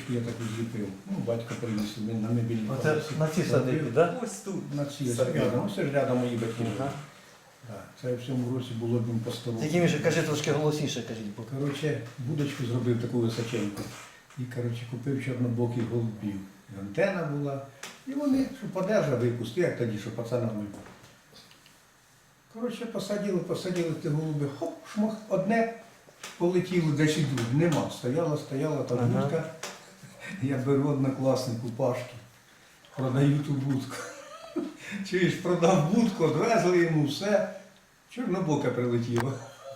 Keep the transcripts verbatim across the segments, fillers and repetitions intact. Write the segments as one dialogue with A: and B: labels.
A: будочку я таку зліпив. Ну, батько приніс він на мебільні.
B: Оце на ці садики, так? Да?
C: Ось тут.
A: На ці ось
C: Садики.
A: рядом. Ось ж рядом мої батьки.
B: Ага.
A: Так, це в цьому році було б їм по столу.
B: Тільки, Міша, кажи трошки голосніше, кажіть. бо-
A: Коротше, будочку зробив таку височеньку. І, коротше, купив чорнобоких голубів. І антена була. І вони, що подержа випусти, як тоді, що пацанами. Коротше, посадили, посадили ті голуби, хоп, шмах, одне полетіло, десь і друге. Нема. Стояла, стояла та
B: Ага.
A: будка. Я беру однокласнику Пашки, продаю ту будку. Чуєш, продав будку, одвезли йому все. Чорнобока прилетіло.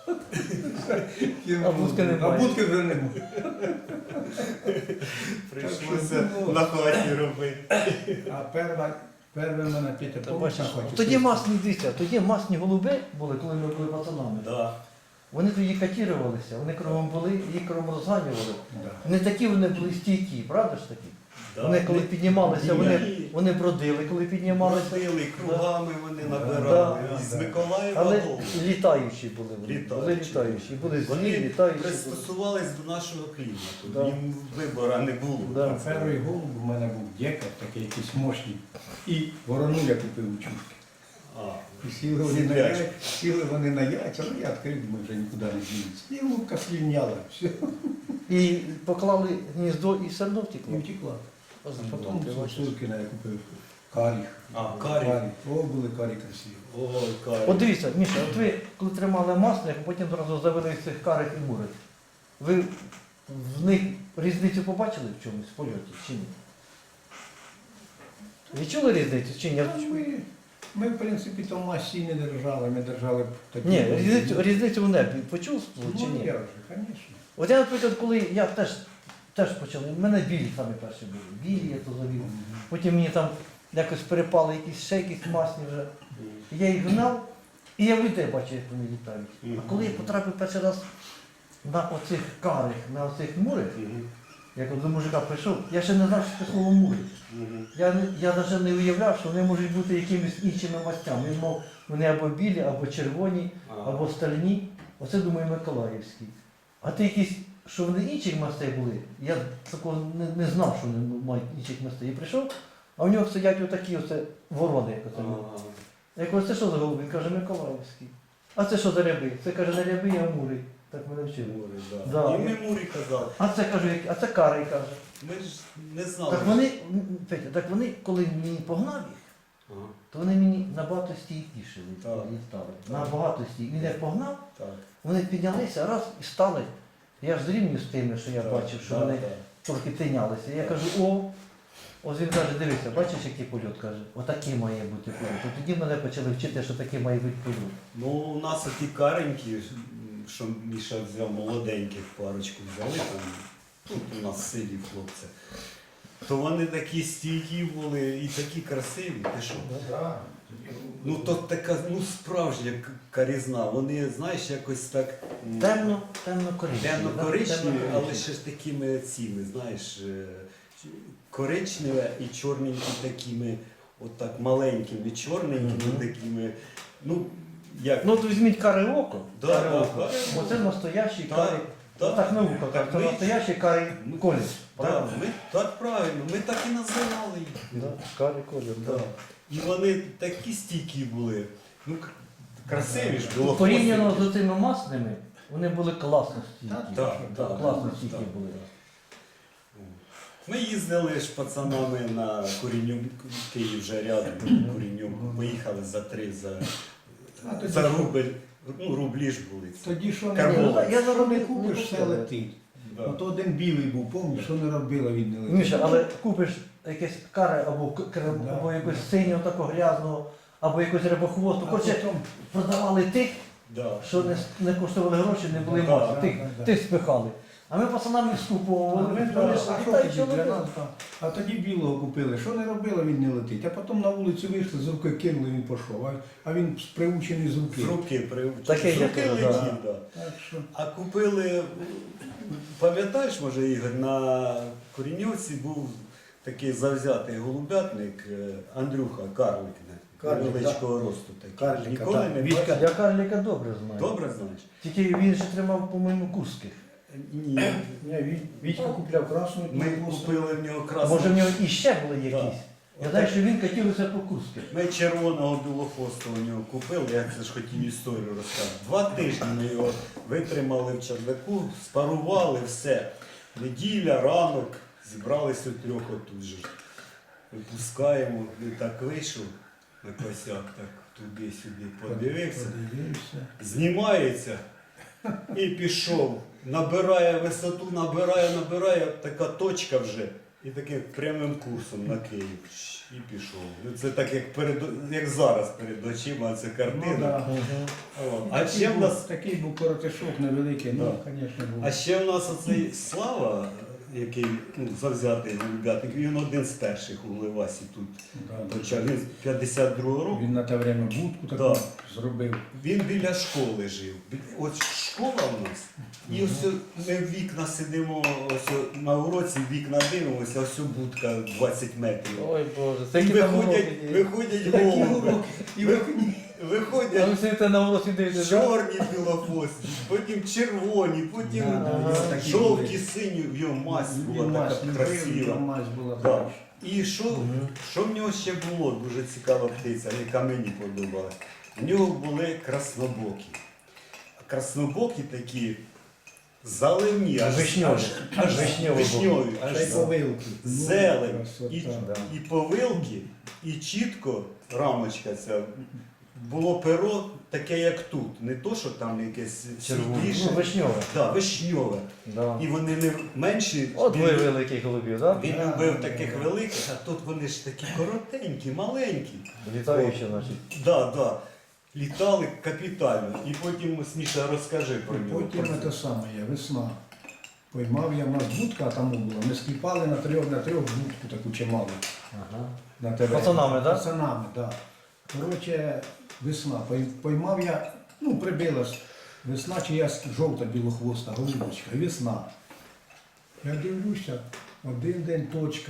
B: А будки немає.
A: А будки вже немає.
C: Прийшлося на хаті робити.
A: А перша, перша в мене Петя
B: Та
A: помниш,
B: бачиш,
A: на хаті
B: Тоді
A: стоїть?
B: масні, дивіться, тоді масні голуби були, коли ми були пацанами.
C: Да.
B: Вони тоді катірувалися, вони кругом були, їх кругом розганювали.
A: Да.
B: Не такі вони були стійкі, правда ж таки?
C: Да.
B: Вони коли піднімалися, вони,
C: Ні.
B: вони бродили, коли піднімалися.
C: Бродили, кругами вони набирали.
B: Да.
C: З Миколаєва
B: Але
C: додому.
B: літаючі були вони.
C: Літаючі.
B: Були літаючі. Були злі,
C: Вони
B: літаючі. були.
C: пристосувались до нашого клімату.
B: Да.
C: Їм вибору не було.
B: Да.
A: А перший голуб у мене був декар, такий якийсь мощний. І ворону я купив у чушки.
C: А,
A: І сіли вони на
C: Сидячі.
A: яйця, сіли вони на яйця, ну я відкрив, думаю, вже нікуди не дінеться. І голубка слівняла, все,
B: І поклали гніздо і все одно
A: і
B: втекло.
A: втекла. А
B: Озимно,
A: потім
B: ти бачиш.
A: Суркіна я купив каріх.
C: А, карі.
A: О, були карі красиві.
C: Ой, карі.
B: От дивіться, Міша, от ви коли тримали масляк, а потім одразу завели цих карих і мурих. Ви в них різницю побачили в чомусь в польоті чи ні? Відчули різницю чи ні?
A: Та Ми, ми, в принципі, там масі не держали, ми держали такі.
B: Ні, різницю, різницю в небі почувствували чи
A: Ну,
B: ні?
A: я вже, звісно.
B: От я, наприклад, коли я теж, теж почав, в мене білі самі перші були. Білі я то завів. Потім мені там якось перепали якісь ще якісь масні вже. І я їх гнав, і я в людей бачив, як вони літають. А коли я потрапив перший раз на оцих карих, на оцих мурих,
C: Мгм.
B: як от до мужика прийшов, я ще не знав, що це слово мури.
C: Мгм.
B: Я, не- я навіть не уявляв, що вони можуть бути якимись іншими мастями. Він мав вони або білі, або червоні,
C: А.
B: або стальні. Оце, думаю, Миколаївські. А ти якісь, що вони інших мастей були, я такого не, не знав, що вони мають інших мастей. Я прийшов, а в нього сидять отакі оце ворони, як оце.
C: Ага.
B: Я кажу, це що за голубі? Він каже, Миколаївський. А це що за ряби? Це каже, не ряби, а мури. Так мене вчили.
C: Мурі, да.
B: Да.
C: І ми Мурі казали.
B: А це кажу, як- а це карий каже.
C: Ми ж не знали.
B: Так вони, м, Петя, так вони, коли мені погнав їх,
C: Ага.
B: то вони мені набагато стійкіше
C: Так.
B: літали. Набагато стійкіше. Він як погнав,
C: Так.
B: вони піднялися раз і стали. Я ж зрівнюю з тими, що я
C: Так,
B: бачив, що
C: так,
B: вони
C: так.
B: трохи тинялися. Я кажу, о, ось він каже, дивися, бачиш, який польот, каже, отакий має бути польот. І тоді мене почали вчити, що такий має бути польот.
C: Ну, у нас оті каренькі, що Міша взяв молоденьких парочку взяли там, тут у нас в селі хлопці. То вони такі стійкі були і такі красиві. Ти що? Ну то така ну, справжня к- карізна. Вони, знаєш, якось так м,
B: Темно, темно-коричневі.
C: темно-коричневі,
B: да?
C: але ще ж такими цими, знаєш, е, коричневе і чорненькі такими, отак маленькими, чорненькими
B: Мгм.
C: такими. Ну, як?
B: Ну, от візьміть каре око.
C: Да,
B: каре
C: да,
B: око.
C: каре око.
B: Оце настоящий
C: Так,
B: карий.
C: так.
B: Так наука
C: Так
B: каже, це
C: ми-
B: настоящий карий
C: Ми-
B: колір.
C: Так,
B: Правильно?
C: ми, так правильно, ми так і називали їх.
B: Да, карий колір,
C: Да.
B: так.
C: І вони такі стійкі були. Ну, к- красиві ж було.
B: Порівняно
C: хвостики.
B: з цими масними, вони були класно стійкі.
A: Так,
C: так,
B: Так,
C: так,
B: класно
C: так.
B: стійкі були.
C: Ми їздили ж пацанами на Курінюк, Київ вже рядом, Курінюк. Поїхали за три, за,
A: А тоді
C: за
A: що?
C: рубль. Ну, рублі ж були.
A: Тоді що не
C: Карбон.
A: робили?
B: Я
A: Що
B: зараз
A: не
B: не
A: купиш, все
B: купив.
A: летить.
C: Да.
A: Ото один білий був, пам'ятаєш, що не робила, він не летить.
B: Міша, але купиш якесь каре або, к- кр-
A: Да.
B: або якось синього такого грязного, або якось рибохвосту.
A: А
B: Коротше,
A: потім-
B: продавали тих,
C: Да.
B: що не, не коштували гроші, не були
C: Да,
B: масні.
A: да,
B: Тих,
A: да, да.
B: тих спихали. А ми пацанами скуповували.
A: А,
B: Вони
A: да,
B: вони
A: а
B: ж
A: що
B: літають,
A: тоді
B: що
A: для
B: робили?
A: нас там? А тоді білого купили. Що не робила, він не летить. А потім на вулицю вийшли, з руки кинули, він пішов. А, а він приучений з руки.
C: З руки привчили.
B: Таке
C: З
B: є
C: руки
B: теж, да.
C: летів, да.
A: Так що
C: А купили, пам'ятаєш, може, Ігор, на Коріньовці був такий завзятий голубятник е, Андрюха Карлик,
A: Карлик,
C: невеличкого росту такий.
A: Карлика,
C: Ніколи
A: так.
C: не
A: Вітька.
C: бачив?
B: Я карліка добре знаю.
C: Добре знаєш?
B: Тільки він ще тримав, по-моєму, курських.
C: Ні.
A: Ні, Ві- Вітька купляв красну.
C: Ми купили в нього красну.
B: Може в нього іще були якісь?
C: Да.
B: Я знаю, що він катівся по Курську.
C: Ми червоного білохвосту у нього купили, я це ж хотів історію розказати. Два тижні ми його витримали в чердаку, спарували все. Неділя, ранок, зібралися у трьох отут же. Випускаємо, він так вийшов на косяк, так туди-сюди подивився,
A: Подивився.
C: знімається і пішов. Набирає висоту, набирає, набирає, така точка вже. І таким прямим курсом на Київ. І пішов. Ну, це так, як, перед, як зараз перед очима, це
A: Ну,
C: картина.
A: да.
C: О, А
A: Такий
C: ще в
A: був-
C: нас,
A: Такий був коротишок невеликий, ну,
C: Да.
A: звісно, був.
C: а ще в нас оцей Слава, який ну, завзятий любятник, він один з перших у Левасі тут
A: Да,
C: почав. Він з п'ятдесят другого року.
A: Він на те время будку таку
C: Да.
A: зробив.
C: Він біля школи жив. Бі- Ось школа в нас. І ось ми в вікна сидимо, ось на уроці в вікна дивимося, ось будка двадцять метрів.
B: Ой Боже,
C: І
B: це які там
C: виходять,
B: уроки є.
C: виходять
A: Такі
C: голуби.
A: уроки. І
C: Ви-
A: виходять.
B: А
C: Виходять
B: ви сидите на уроці дивитесь, да?
C: чорні білохвості, потім червоні, потім
A: Да, да,
B: є
A: такі
C: жовті,
A: були.
C: сині, в його мазь
A: Він
C: була
A: мазь
C: така
A: любив,
C: красива.
A: його мазь була
C: Да.
A: така.
C: І що,
B: Мгм.
C: що в нього ще було? Дуже цікава птиця, яка мені подобалась. У нього були краснобокі. Краснобокі такі заливні, аж
B: Вишньові.
C: аж
B: Вишньові
C: вишньові, аж
A: Ще й повилки. Ну,
C: зелень,
A: красота.
C: і,
B: да.
C: і повилки, і чітко рамочка ця. Було перо таке, як тут. Не то, що там якесь
B: Червоне.
C: світліше.
B: Ну, вишньове.
C: Да, вишньове.
B: Да.
C: І вони не менші.
B: От ви
C: він-
B: великих голубів, так?
C: Він
A: Да,
C: любив
A: да,
C: таких
A: да.
C: великих, а тут вони ж такі коротенькі, маленькі.
B: Літаючі, значить.
C: Да, да. Літали капітально. І потім, Сміша, розкажи про нього.
A: Потім те саме є, весна. Поймав я, в нас будка там була. Ми скіпали на трьох, на трьох будку таку чималу.
B: Ага.
A: На тебе.
B: Пацанами, да?
A: Пацанами, так. Да. Коротше, весна. Пой- Поймав я, ну, прибилась весна, чи я жовта білохвоста, голубочка, і весна. Я дивлюся, один день точка.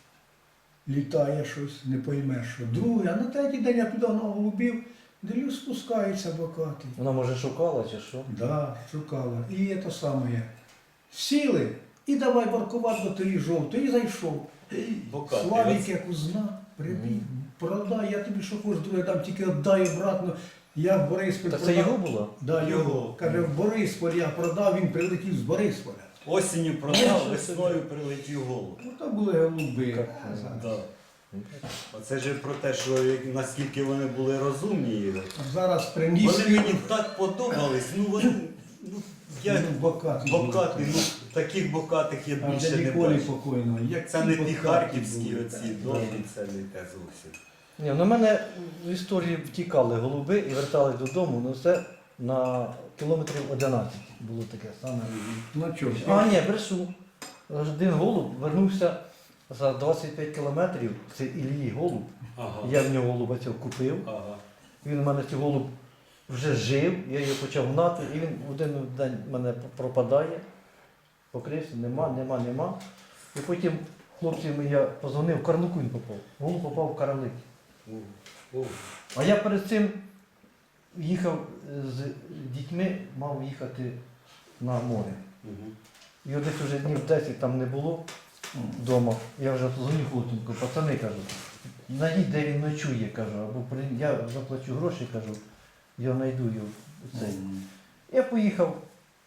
A: Літає щось, не поймеш що. Другий, а на третій день я туди на голубів, дивлюсь, спускається бокатий.
B: Вона може шукала чи що?
A: Да, шукала. І це саме. Сіли і давай баркувати до тої жовтої. І зайшов.
C: Бокатий.
A: Славік як узна, прибіг, продай, я тобі що хочеш, друге дам, тільки віддай обратно. Я в Борисполь
B: Так це
A: продав.
B: його було?
A: Да, його.
C: Його.
A: Каже, в Борисполь я продав, він прилетів з Борисполя.
C: Осінню продав, весною прилетів голуб.
A: Ну то були голуби.
B: Як
C: Да. Оце ж про те, що як- наскільки вони були розумні.
A: А зараз приніс.
C: Вони мені так подобались. Ну вони ну, я
A: Ну, бокатий.
C: бокаті, ну таких бокатих я
A: А
C: більше
A: вже
C: не
A: ніколи
C: бачив.
A: покойного. Як
C: Це
A: ті
C: не ті
A: бокаті
C: харківські
A: були,
C: оці
A: так.
C: довгі, це не те зовсім.
B: Ні, ну в мене в історії втікали голуби і вертались додому, ну це на кілометрів одинадцять було таке саме.
A: Ну чого?
B: А, ні, брешу. Один голуб вернувся за двадцять п'ять кілометрів, це Іллі голуб.
C: Ага.
B: Я в нього голуба цього купив.
C: Ага.
B: Він у мене цей голуб вже жив, я його почав гнати, і він в один день в мене пропадає. Покрився, нема, нема, нема. І потім хлопцям я позвонив, в Карлику він попав. Голуб попав в Карлик.
C: О, о.
B: А я перед цим їхав з дітьми, мав їхати на море.
C: Мгм.
B: І от десь вже днів десять там не було вдома. Я вже дзвоню хлопцям, кажу, пацани, кажу, знайдіть, де він ночує, кажу, або при- я заплачу гроші, кажу, я знайду його. Цей. Я поїхав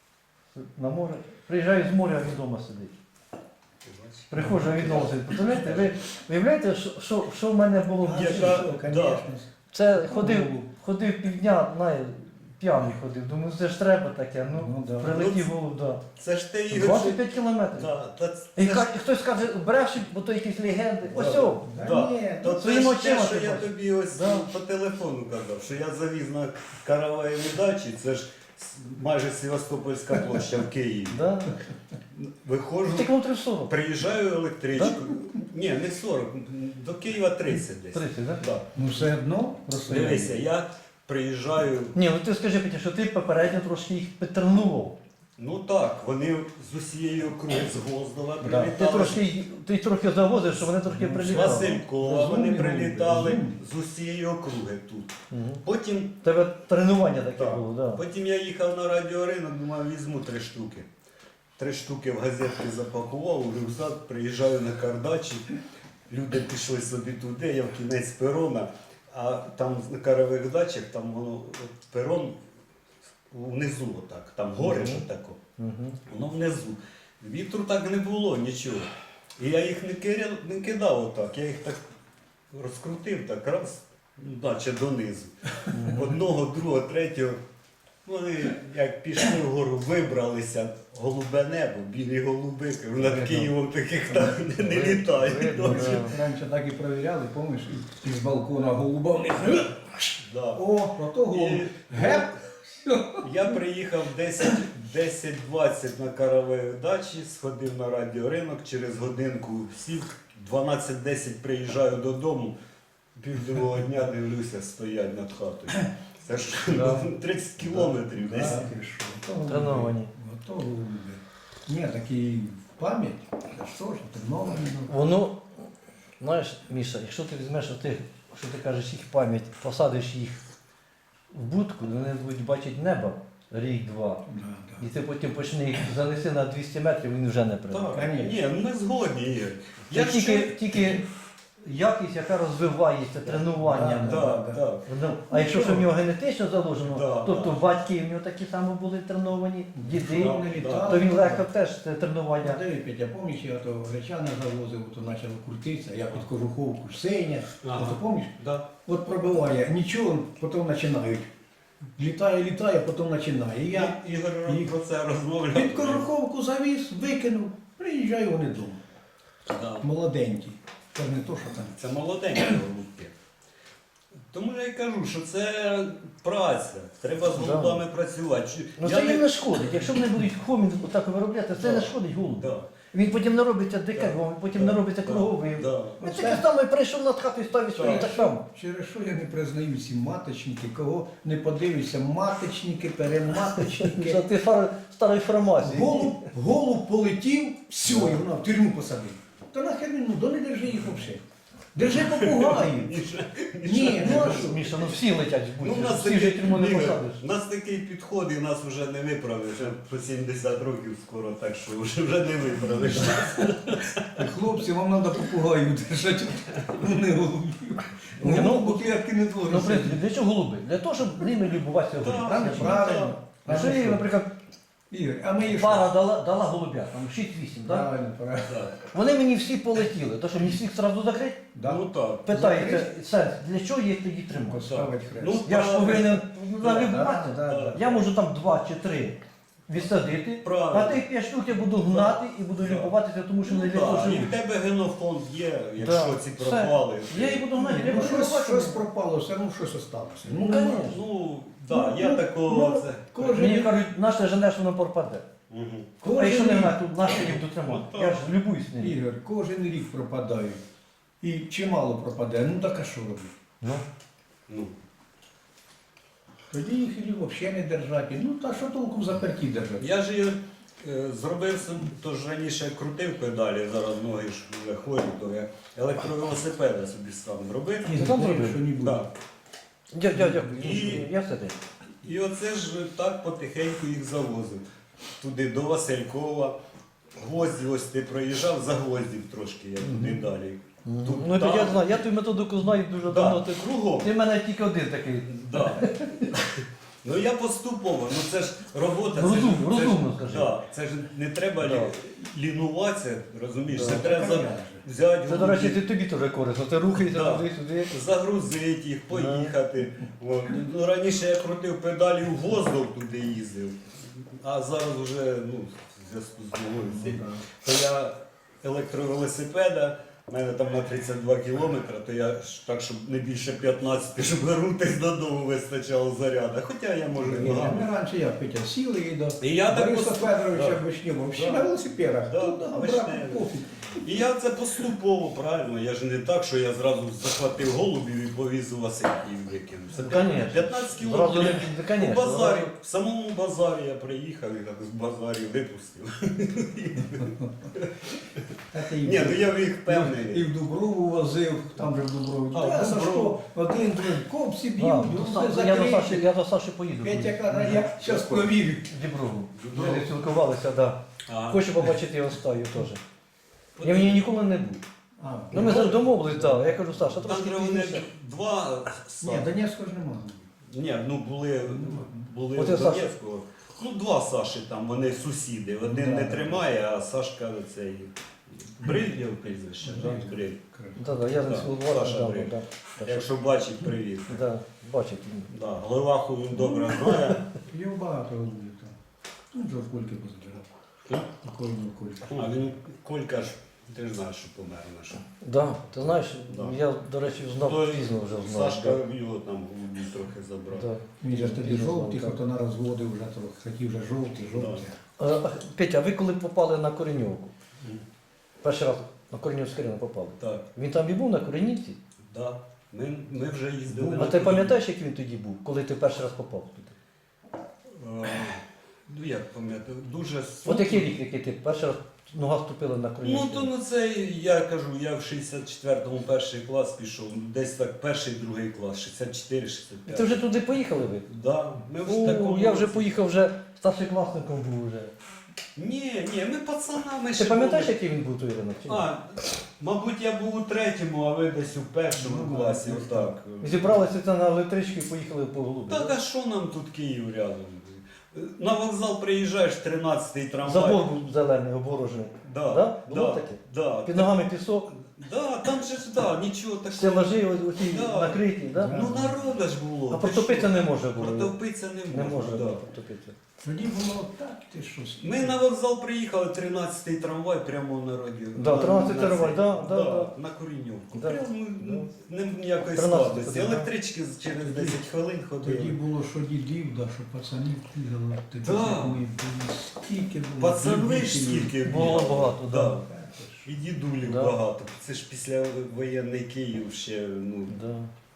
B: на море, приїжджаю з моря, а він вдома сидить.
C: Ти бачиш?
B: Приходжу, а він вдома сидить. Представляєте, ви виявляєте, що, що, що в мене було в
A: А,
B: душі?
C: Яка-
A: що,
C: да.
A: конечно.
B: Це ходив,
A: Голуб.
B: ходив півдня, знає, п'яний ходив. Думаю, це ж треба таке. Ну,
A: Ну, да.
B: прилетів голуб, да.
C: Це ж ти Ігор.
B: двадцять п'ять кілометрів.
C: Да, та це
B: І
C: ж-
B: ка- і хтось каже, брешуть, бо то якісь легенди. Ось
C: Да.
B: о,
A: Да,
C: Да.
A: ні,
C: То
A: ну,
C: це
B: своїми
C: ж те,
B: очима
C: що
B: ти
C: я
B: бачиш.
C: тобі ось
B: Да.
C: по телефону казав, що я завіз на караваєві дачі, це ж с- майже Севастопольська площа в Києві.
B: да.
C: Виходжу,
B: Це кілометрів сорок.
C: приїжджаю електричкою. Ні, не сорок, до Києва тридцять десь.
B: тридцять, так?
C: Да.
A: Ну все одно розстояння.
C: Дивися, я приїжджаю.
B: Ні, ну ти скажи, Петя, що ти попередньо трошки їх підтренував.
C: Ну так, вони з усієї округи з Гвоздова
B: Да. Ти
C: прилітали.
B: трошки, ти трохи завозив, що вони трошки
C: З
B: прилітали.
C: Василькова вони
A: Розумні
C: прилітали
A: розумні.
C: з усієї округи тут.
B: Мгм.
C: Потім
B: У тебе тренування таке
C: Так.
B: було, так. Да.
C: Потім я їхав на радіоринок, думав, візьму три штуки. три штуки в газетки запакував, у рюкзак, приїжджаю на кардачі, люди пішли собі туди, я в кінець перона, а там на карових дачах, там воно от перон внизу отак, там гори ж тако, воно внизу. Вітру так не було, нічого. І я їх не кидав, не кидав отак, я їх так розкрутив, так раз, ну, наче донизу. Одного, другого, третього. Вони як пішли вгору, вибралися, голубе небо, білі голуби, над
B: Видно.
C: Києвом таких там не, не
B: Видно,
C: літають.
B: видно,
C: ночі.
B: да.
A: Раніше так і перевіряли, пам'ятаєш, і з балкона голуба в них.
C: Да.
A: О, ото голуб.
C: І-
A: Геп!
C: Я приїхав десять двадцять на каравеї дачі, сходив на радіоринок, через годинку сів, дванадцять десять приїжджаю додому, півдругого дня дивлюся, стоять над хатою. Це ж
A: Да.
C: тридцять кілометрів десь.
A: А, ти що, ото голуби.
B: Треновані.
A: Ото голуби. Ні, такі в пам'ять, це ж теж треновані. ну.
B: Воно, знаєш, Міша, якщо ти візьмеш ти, що ти кажеш, їх пам'ять, посадиш їх в будку, вони будуть бачити небо рік-два.
A: Да, да.
B: І ти потім почни їх занеси на двісті метрів, він вже не прийде.
C: Так,
A: Конечно.
C: ні, ну ми згодні. Ігор.
B: Це
C: Я
B: тільки,
C: ще-
B: тільки якість, яка розвивається тренуванням.
A: Да,
C: Так, так.
B: Ну, а якщо ж в нього генетично заложено,
C: Да,
B: тобто
C: да.
B: батьки в нього такі самі були треновані, діди,
C: Да,
A: Вони
C: да.
A: літали.
B: то він легко теж це тренування.
A: Диви, Петя, пам'ятаєш, я то гречани завозив, то почало крутитися, я під кожуховку синя,
C: Ага.
A: ото пам'ятаєш?
C: Да.
A: От пробиває, нічого, потім починають. Літає, літає, потім починає. І я
C: І- Ігор
A: і-
C: про це розмовляв.
A: під кожуховку завіз, викинув, приїжджаю вони вдома.
C: Да.
A: Молоденькі. Це ж не то, що там.
C: Це молоденькі голубки. Тому я й кажу, що це праця. Треба з
B: Да.
C: голубами працювати. Чи-
B: Ну
C: я
B: це
C: не-
B: їм не шкодить. Якщо вони будуть хомін отак виробляти, це
C: Да.
B: не шкодить голубу.
C: Да.
B: Він потім не робиться дикарем, потім не робиться
C: Да.
B: круговим.
C: Да.
B: Він
A: Оце-
B: таке саме прийшов над хатою, ставить свої
C: Так.
B: так само.
A: Через що я не признаю ці маточники, кого не подивишся, маточники, перематочники.
B: За ти фар... старої формації.
A: Голуб, голуб полетів, все, і вона в тюрму посадив. Та нахер він, ну, до не держи їх взагалі. Держи попугаїв. Ні, ну а що?
B: Міша, ну всі летять в
C: Ну,
B: будь
C: у нас
B: всі ж тюрму не
C: Ігор,
B: посадиш.
C: у нас такий підход і нас вже не виправиш. Вже по сімдесят років скоро, так що вже, вже не виправиш.
A: Хлопці, вам треба попугаїв держати, не голубів.
B: Ні, ну,
A: Голубу клітки не
B: Ну, в
A: твориться.
B: принципі, для чого голуби? Для того, щоб ними любуватися голубі.
C: Так,
B: Правильно? чи ні?
A: Правильно.
B: Якщо їй, наприклад,
A: Ігор, а ми їх
B: пара дала, дала голубя, там шість-вісім, так?
A: Правильно, правильно.
C: Так.
B: Вони мені всі полетіли, то що мені всіх одразу закрити?
A: Да.
C: Ну так.
B: Питаєте, сенс, для чого їх тоді тримати?
A: Поставить хрест.
C: Ну,
B: Я ж повинен
A: Да,
B: налюбувати.
A: да, да.
B: Я можу там два чи три відсадити,
C: Правильно.
B: а тих п'ять штук я буду гнати і буду
C: Да.
B: любуватися, тому що вони для того
C: Так, і в
B: живуть.
C: тебе генофонд є, якщо
B: Да.
C: ці
B: Все.
C: пропали.
B: Я їх буду гнати, я
A: Ну,
B: буду
A: щось, щось
B: любувати.
A: пропало, все одно щось осталося. Ну,
B: Ну, конечно.
C: Ну, так,
A: Ну,
C: я
A: ну,
C: такого.
A: ну,
C: це-
A: кожен-
B: Мені кажуть, наше женеш, воно пропаде.
C: Мгм.
B: А якщо не
A: рік,
B: гнати, тут наше їх дотримати.
C: Ну,
B: Я
C: так.
B: ж любуюсь ним.
A: Ігор, кожен рік пропадають. І чимало пропаде, ну так а що робити?
B: Ну.
C: Ну.
A: Тоді їх і взагалі не держати. Ну та що толку в заперті держати?
C: Я ж її, е, зробив, сам- то ж раніше крутив педалі, зараз ноги ж вже хворі, то я електровелосипеда собі сам зробив.
A: І
B: Ти сам
A: знаєш,
B: зробив?
A: що не буде.
C: Так.
B: Дя- дя- Дякую.
C: І-
B: Я все те.
C: І оце ж так потихеньку їх завозив. Туди до Василькова. Гвозді, ось ти проїжджав, за гвоздів трошки, я туди далі. Тут
B: Ну то
C: так.
B: я знаю, я ту методику знаю дуже
C: Да,
B: давно. Ти,
C: кругом.
B: ти в мене тільки один такий.
C: Да. Ну я поступово, ну це ж робота.
B: Розум-
C: це ж, це ж-
B: розумно скажи.
C: Да, це ж не треба
B: Да.
C: лі- лінуватися, розумієш,
B: Да.
C: це треба за-
A: Конечно.
C: взяти,
B: Це, до речі, ти, тобі теж корисно. Ти рухаєшся
C: Да.
B: туди-сюди.
C: загрузити їх, поїхати. От. Ну, раніше я крутив педалі в воздух туди їздив, а зараз вже ну, в зв'язку з новою сіль. То я електровелосипеда, в мене там на тридцять два кілометри, то я ж так, щоб не більше п'ятнадцять, щоб вернутися додому вистачало заряду. Хоча я можу і
A: Ні,
C: ногами.
A: Ми раніше я Петя сіли і до
C: І я так
A: Бориса
C: поступ-
A: Федоровича
C: Да.
A: Вишнєва, всі
C: Да.
A: на велосипедах.
C: Да,
A: Туди,
C: Вишневий.
A: брат, пофіг. І
C: І я це поступово, правильно. Я ж не так, що я зразу захватив голубів і повіз у Васильків і викинув. Це
B: Ну, конечно.
C: п'ятнадцять
B: Зразу
C: кілометрів.
B: не-
C: У
B: конечно,
C: базарі,
B: зразу.
C: в самому базарі я приїхав і так з базарі випустив.
A: А ти і
C: Ні,
A: в-
C: ну я в їх
A: І
C: впевнений.
A: в Дуброву возив, там же в Дуброві.
C: А, в
A: Та,
C: Дуброву.
A: Сашко, один, другий, копці
B: Да,
A: б'ють,
B: до
A: друге
B: Са- я, до Саші,
A: закриті.
B: я до Саші поїду.
A: Петя каже, я зараз повірю.
B: Діброву.
C: Діброву.
B: Ми спілкувалися, да.
C: А,
B: Хочу побачити його стаю теж. Я в ній ніколи не був.
A: А,
B: Ну ми завжди домовились, так. Я кажу, Саша,
C: Там
B: трошки
C: же вони
B: пізніше.
C: два
A: Ні,
C: Са-
A: Донецького ж немає.
C: Ні, ну були, були
B: От
C: в
B: я Саша.
C: Донецьку. Ну, два Саші там, вони сусіди. Один
A: Да.
C: не тримає, а Сашка цей. Бриль його прізвище,
A: Да.
C: так? Бриль.
B: Да, да, я
C: Да,
B: з Володимиром,
C: Саша
B: да,
C: Бриль.
B: да, да.
C: Якщо бачить, привіт.
B: Да, бачить.
C: Да, Глеваху він добре знає.
A: Його багато голубів там. Ну, вже в кульки позбирав. Такої не кульки.
C: А він Колька ж, ти ж знаєш, що помер наш.
B: Да, ти знаєш,
C: Да.
B: я, до речі, знав
C: То
B: пізно вже знав.
C: Сашка його там голубі трохи забрав.
B: Да.
A: Він же ж тоді
B: Пізно
A: жовтий,
B: знав,
A: хто на розводив вже, то хотів вже жовтий, жовтий.
B: А, а, Петя, а ви коли попали на Кореньовку?
C: Мгм.
B: Перший раз на Кореньовський ринок попали.
C: Так,
B: Він там і був на Коренівці?
C: да. Ми, ми вже їздили.
B: А
C: на
B: ти
C: Київ.
B: пам'ятаєш, як він тоді був, коли ти перший раз попав туди?
C: Е, Ну як пам'ятаю, дуже
B: От який рік, який ти перший раз нога ступила на
C: Ну
B: Коренівський
C: то
B: ринок?
C: ну це я кажу, я в шістдесят четвертому перший клас пішов, десь так перший, другий клас, шістдесят чотири шістдесят
B: І
C: п'ять.
B: ти вже туди поїхали ви?
C: Да, ми в
B: О,
C: такому
B: я вже
C: році.
B: поїхав, вже старшокласником був вже.
C: Ні, ні, ми пацанами
B: Ти
C: ще
B: пам'ятаєш,
C: були.
B: який він був той ринок? чи ні?
C: А, мабуть, я був у третьому, а ви десь у першому
A: Ну,
C: класі,
A: десь
C: отак.
B: Зібралися це на електричку і поїхали по голубі.
C: Так, а що нам тут Київ рядом? На вокзал приїжджаєш, тринадцятий трамвай.
B: Забор був зелений, оборожений.
C: Да,
B: Да? Було
C: да,
B: таке?
C: да.
B: Під ногами пісок,
C: Да, там же ж, да, нічого такого.
B: стелажі оці
C: Да.
B: накриті, да?
C: Ну народа ж було.
B: А
C: ти
B: протопитися
C: що?
B: не може було.
C: Протопитися не
B: Не
C: можна.
B: може
C: да.
B: було протопитися.
A: Тоді було так, ти що, скільки?
C: Ми на вокзал приїхали, тринадцятий трамвай прямо на радіо.
B: Да,
C: На-
B: тринадцятий
C: на
B: трамвай,
C: цей-
B: да, да, да.
C: на Коріньовку.
B: Да.
C: Прямо ну, не ніякої
B: тринадцятий
C: складності.
B: да.
C: Електрички через десять хвилин
A: Тоді
C: ходили.
A: було, що дідів, да, що пацанів бігало. Тоді
C: Да.
A: ми були, скільки було.
C: Пацани ж
A: любителів.
C: скільки
B: Було
C: бігало.
B: багато, да.
C: Да. І дідулів
B: Да.
C: багато. Це ж після воєнний Київ ще ну,
B: Да.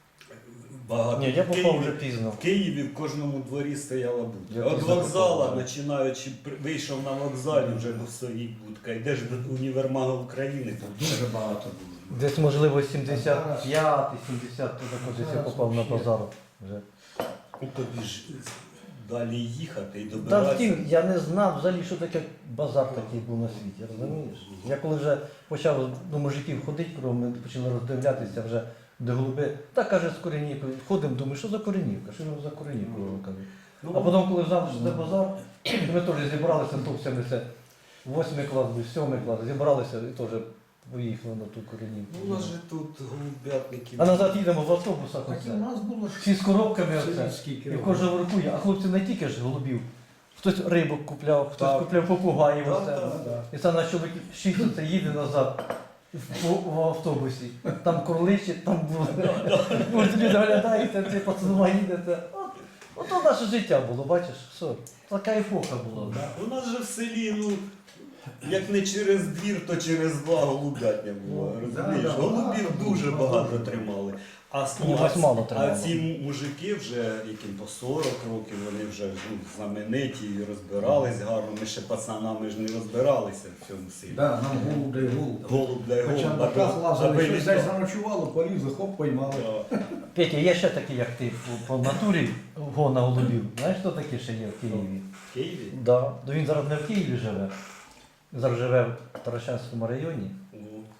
C: багато.
B: Ні, я
C: В
B: попав
C: Києві-
B: вже пізно.
C: В Києві в кожному дворі стояла
B: Я
C: будка. От
B: пізно
C: вокзала,
B: попав, да.
C: починаючи, при- вийшов на вокзалі, вже ну, стоїть будка. Йдеш до універмагу України, там
A: Дуже багато було.
B: Десь, можливо, сімдесят п'ятий, сімдесят, ти також я попав на базар. Вже.
C: ну, тобі ж далі їхати і
B: Та
C: добиратися.
B: втім, я не знав взагалі, що таке базар такий був на світі, розумієш? Я коли вже почав до мужиків ходити, коли ми почали роздивлятися вже до голуби, та каже з Коренівки, ходимо, думаю, що за Коренівка, що за Коренівка, кажу.
C: Ну,
B: А потім, коли знав, що це базар, ми теж зібралися, хлопцями, це восьмий клас, був, сьомий клас, зібралися і теж поїхали на ту Коренівку.
C: ну, у нас же тут голубятники.
B: А назад їдемо в автобусах,
A: Так і
B: оце.
A: у нас було ж
B: Всі з коробками оце.
A: скільки
B: І в
A: років.
B: кожному руку є. А хлопці не тільки ж голубів. Хтось рибок купляв, хтось
C: Так.
B: купляв попугаїв.
C: Так,
B: оце.
C: так, так.
B: І це наш чоловік шість оце їде назад в, в автобусі. Там курличить, там буде. Може, люди оглядаються, ти пацанова їдете. От, ото наше життя було, бачиш, все. Така епоха була. Да.
C: У нас же в селі, ну, як не через двір, то через два голубятня було.
A: Ну,
C: Розумієш?
A: да, да,
C: Голубів
A: багато
C: дуже
A: було,
C: багато
A: багато.
C: тримали. А,
B: Ні,
C: а,
B: ось мало
C: а
B: тримали.
C: ці мужики вже, яким по сорок років, вони вже ну, знамениті і розбирались гарно. Ми ще пацанами ж не розбиралися в цьому селі.
A: Да, нам голуб дай голуб.
C: Голуб дай
A: Хоча
C: голуб,
A: на
C: аби-
A: ках лазили,
C: аби
A: щось
C: літав.
A: десь заночувало, полізли, хоп, поймали.
C: Да.
B: Петя, є ще такі, як ти, по, по натурі гона голубів. Знаєш, хто такі ще є в Києві?
C: В Києві?
B: Да. Ну, він зараз не в Києві живе. Зараз живе в Таращанському районі.
C: Ну,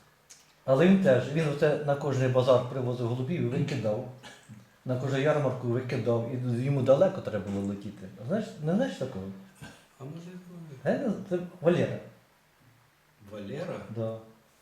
B: Але він теж, він оце на кожний базар привозив голубів і викидав. На кожну ярмарку викидав. І йому далеко треба було летіти. А знаєш, не знаєш такого?
C: а може ви?
B: Е, Це Валера.
C: Валера?
B: Да.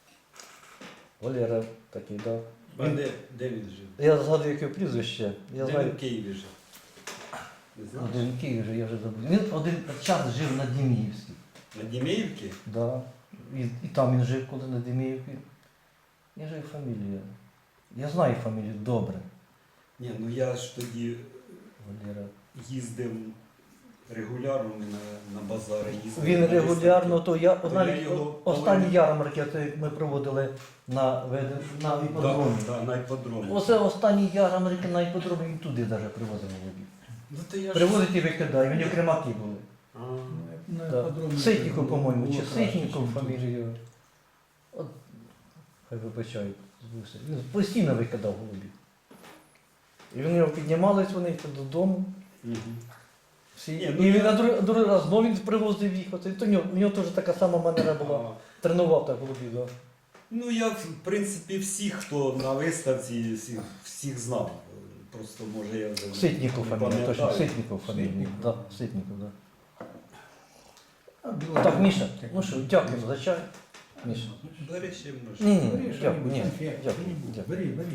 B: Валера такий, да.
C: А де, де він жив?
B: Я згадую, яке прізвище. Я
C: де він
B: знаю.
C: в Києві жив? Не знаєш?
B: Один в Києві, я вже забув. Він один час жив на Діміївській.
C: На Дімеївці?
B: Да. І, і там він жив, коли на Діміївці. Я жив фамілію. Я знаю фамілію добре.
C: Ні, ну я ж тоді
B: Валера.
C: їздив регулярно ми на, на базари їздили.
B: Він
C: на
B: регулярно,
C: виставки.
B: то я
C: То
B: навіть
C: я його
B: останні
C: повинен-
B: ярмарки, це як ми проводили на, веде- на іпподромі.
C: Да, да, на іпподромі.
B: Оце останні ярмарки на іпподромі, він туди навіть привозив голубів.
C: Ну, то я ж-
B: Привозить і викидає, у нього кремаки були.
C: А,
A: На
B: Так.
A: іпподромі
B: Ситніков,
A: було
B: по-моєму, чи
A: краще,
B: Ситніков
A: ніж тут.
B: фамілію. От, хай вибачають, збився. Він постійно викидав голубів. І вони його піднімались, вони йшли додому.
C: мгм.
B: Всі.
C: Ні, ну
B: і він
C: я-
B: на другий, другий раз знову він привозив їх. Оце, то в нього, в нього теж така сама манера була.
C: А,
B: Тренував так голубів. Да.
C: Ну, я, в принципі, всіх, хто на виставці, всіх, всіх знав. Просто, може, я вже
B: Ситніков
C: не
B: фамілія, точно,
C: пам'ятаю.
B: Ситніков фамілія.
A: Ситніков.
B: Да, Ситніков, да.
A: А, біло-
B: Так, Міша, ну що, дякуємо за чай. Міша.
C: Бери ще можеш.
B: Ні, ні,
A: Бери
B: дякую,
A: що-небудь,
B: ні,
A: конфет,
B: дякую,
A: що-небудь.
B: дякую.
A: Бери, бери.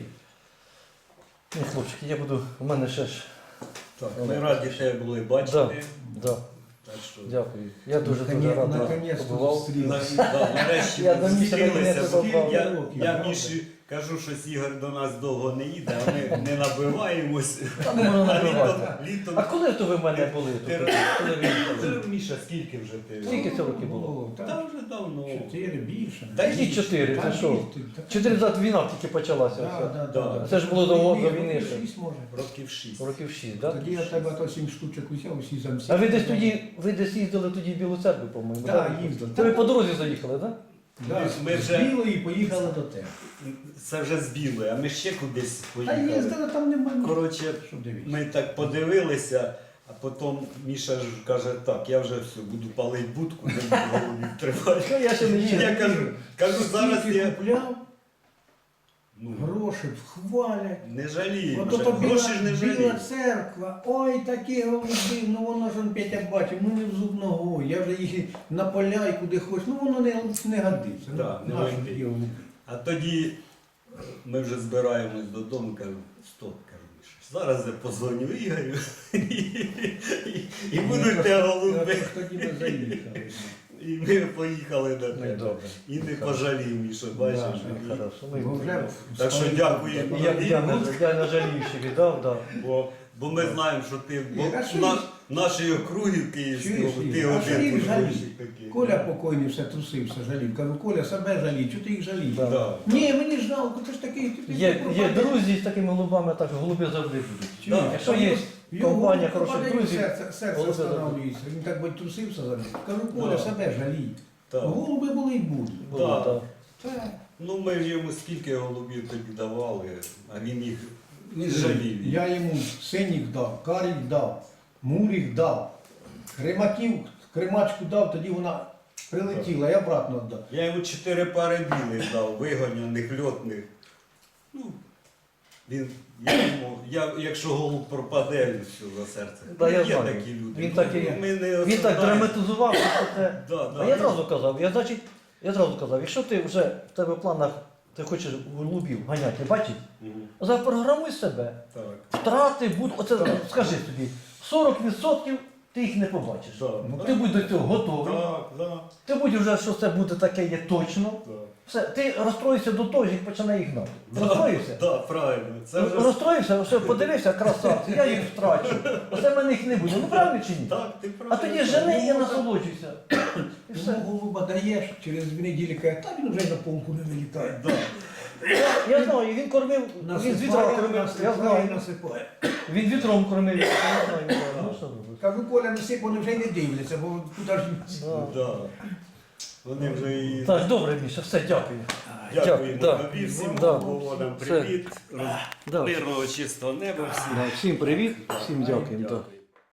B: Ні, хлопчики, я буду, у мене ще ж,
C: Так, ми раді тебе були бачити.
B: да,
C: Так що,
B: дякую. Я дуже дуже
A: Наконець-
B: радий
A: наконець-то
B: побував.
C: на,
A: зустрілися.
C: да, нарешті
B: Я
C: ми
B: до Міші
C: зустрілися.
B: наконець
C: бо
B: попав.
C: Я,
A: Років,
C: я
A: правда.
C: Міші кажу, що Ігор до нас довго не їде, а ми не набиваємось.
B: Та не можна
C: А
B: набивати.
C: літом, літом
B: А коли то ви в мене були?
C: Ти-
B: тут? Коли ви їхали?
C: Це, Міша, скільки вже ти?
B: Скільки це років було?
A: Було,
C: Та
A: так,
C: вже давно.
A: чотири більше.
C: Та
B: Які
C: їсть.
B: чотири,
A: Та
B: це що?
A: їсти, та-
B: Чотири назад війна тільки почалася.
A: Да,
B: оце.
A: да,
C: Да.
A: да.
B: Це ж було до- до
A: Ні,
B: війни
A: років
B: ще.
A: шість, може.
C: Років шість.
B: Років шість, так?
A: Тоді я тебе то сім штучок взяв, усі замсі.
B: А ви десь тоді, ви десь їздили тоді в Білу церкву, по-моєму,
A: Так,
B: да?
A: їздили.
B: То ви по дорозі заїхали, так?
A: Да,
C: Ми- ми
A: з
C: вже-
A: білої поїхали до тебе.
C: Це вже з білої, а ми ще кудись
A: Та
C: поїхали.
A: їздили, там немає.
C: Коротше,
A: Що дивіться?
C: ми так подивилися, а потім Міша ж каже, так, я вже все, буду палити будку, не буду голубів тривати.
B: Ну, я ще не їздив.
C: Я кажу, кажу, зараз
A: Скільки
C: я
A: купляв,
C: ну,
A: гроші хвалять.
C: не жалію,
A: От
C: вже,
A: ото біла,
C: гроші ж не жалію.
A: біла церква, ой, такі голуби, ну воно ж он Петя бачив, ну не в зуб ногою, я вже їх і на поля і куди хоч, ну воно не, не годиться.
C: Да,
A: ну,
C: не
A: наші
C: годиться.
A: такі голуби.
C: А тоді ми вже збираємось додому, кажу, стоп, кажу, Міша, зараз я позвоню Ігорю і, і, і будуть те голуби.
A: От Тоді ми заїхали.
C: І ми поїхали до
B: Ну, і
C: тебе.
B: добре.
C: І не пожалів, Міша, бачиш.
A: Да,
C: і-
B: Хорошо.
A: Бо
B: Ну,
A: вже
C: Так що
A: стали-
C: дякуємо.
B: я, я, не, я не жалію, що віддав, да.
C: Бо, бо ми знаємо, що ти бо
A: Ні, а що
C: на,
A: їх-
C: нашої округи Київського,
A: Чуєш,
C: ти
A: Ігор, а що
C: один
A: їх жаліти?
C: художник такий.
A: Коля покойний все трусився, жалів. Кажу, Коля, себе жалій, чого ти їх жалієш?
B: Да.
C: Да.
A: Ні, мені ж жалко, ти ж такий. ти- ти
B: Є, є
A: пропадеш.
B: друзі з такими голубами, так голуби завжди будуть.
A: Чуєш,
C: Да.
B: Якщо
A: а
B: є
A: його
B: компанія
A: голуб
B: хороших
A: пропадає,
B: друзів,
A: серце, серце
B: голуби
A: останавлюється. Він так би трусився за них. Кажу, Коля,
C: Да.
A: себе жалій.
C: Так.
A: Голуби були і будуть.
B: будуть,
C: Да.
B: да.
A: Так.
C: Ну ми ж йому скільки голубів тоді давали, а він їх не жалів.
A: Я йому синіх дав, карік дав, муріх дав, кремаків, кремачку дав, тоді вона прилетіла, я обратно віддав.
C: Я йому чотири пари білих дав, вигоняних, льотних. Ну, він, я йому, я, якщо голуб пропаде, він все за серце.
B: Да, я
C: Є
B: знаю.
C: такі люди.
B: Він
C: Ну,
B: так і-
C: ми не
B: Він так
C: осуждаємо.
B: драматизував, що це.
C: Да, да.
B: А я одразу казав, я значить, я одразу казав, якщо ти вже в тебе в планах, ти хочеш голубів ганяти, бачить,
C: Мгм.
B: запрограмуй себе.
C: Так.
B: Втрати будуть, оце скажи собі, сорок відсотків ти їх не побачиш.
C: Да.
B: Ну, ти будь до цього готовий.
C: Так, да,
B: Ти будь вже, що це буде таке є точно.
C: так.
B: Все, ти розстроївся до того, як починає їх гнати. Розстроївся?
C: Так, правильно. Це вже...
B: Розстроївся, все, подивився, красавці, я їх втрачу. Оце в мене їх не буде. Ну правильно чи ні?
C: Так, ти
B: А
C: правильно.
B: тоді жени і насолоджуйся. І все.
A: Йому голуба даєш, через дві неділі каже, та він вже й на полку не вилітає.
C: Да.
B: Я, я знаю, він кормив, він з вітром
A: Насипає,
B: кормив, я
A: насипає,
B: знаю.
A: насипає.
B: Він вітром кормив, я знаю. Ну що робити?
A: Кажу, Коля, не сип, вони вже й не дивляться, бо куди ж
B: Да.
C: Да. Вони вже і...
B: Так, добре, Міша, все, дякую.
C: Дякуємо
B: Да.
C: тобі, всім
B: Да.
C: голубам
B: Все.
C: привіт.
B: Да.
C: Мирного чистого неба всім.
B: Всім привіт, всім дякую.
C: Дякую.